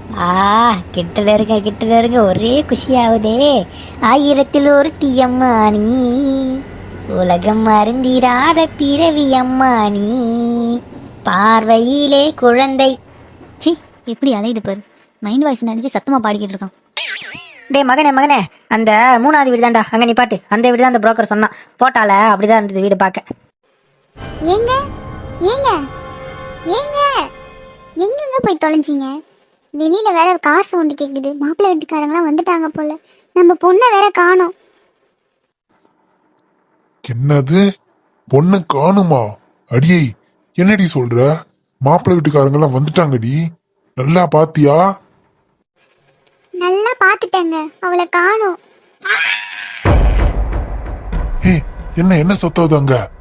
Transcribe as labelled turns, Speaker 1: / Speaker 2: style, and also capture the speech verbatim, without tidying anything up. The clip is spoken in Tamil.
Speaker 1: ஆ, கிட்டல இருக்க கிட்டல இருக்க ஒரே குஷியாவுதே. ஆயிரத்தில் ஒரு தீயம்மா நீ, உலகம் அருந்திராத பிறவி அம்மா நீ, பார்வையிலே குழந்தை.
Speaker 2: சி, எப்படி அலையுது பாரு. மைண்ட் வாய்ஸ் நினைச்சு சத்தமா பாடிக்கிட்டு இருக்கான்.
Speaker 1: டே மகனே மகனே, அந்த மூணாவது வீடு தான்டா அங்க நீ பாட்டு. அந்த வீடு தான் அந்த புரோக்கர் சொன்னான். போட்டால அப்படிதான் இருந்தது வீடு பார்க்க.
Speaker 3: ஏங்க ஏங்க ஏங்க எங்கங்க போய் தொலைஞ்சிங்க? வெளியில வேற காசு ஒன்று கேக்குது. மாப்பிள்ளை வீட்டுக்காரங்களாம் வந்துட்டாங்க போல. நம்ம பொண்ணை வேற காணோம்.
Speaker 4: என்னது, பொண்ணு காணுமா? அடியே, என்னடி சொல்ற? மாப்பிள்ளை வீட்டுக்காரங்க எல்லாம் வந்துட்டாங்கடி. நல்லா பாத்தியா?
Speaker 3: நல்லா பாத்துட்டேங்க, அவளை காணோம்.
Speaker 4: ஏய், என்ன என்ன சத்தம் அங்க?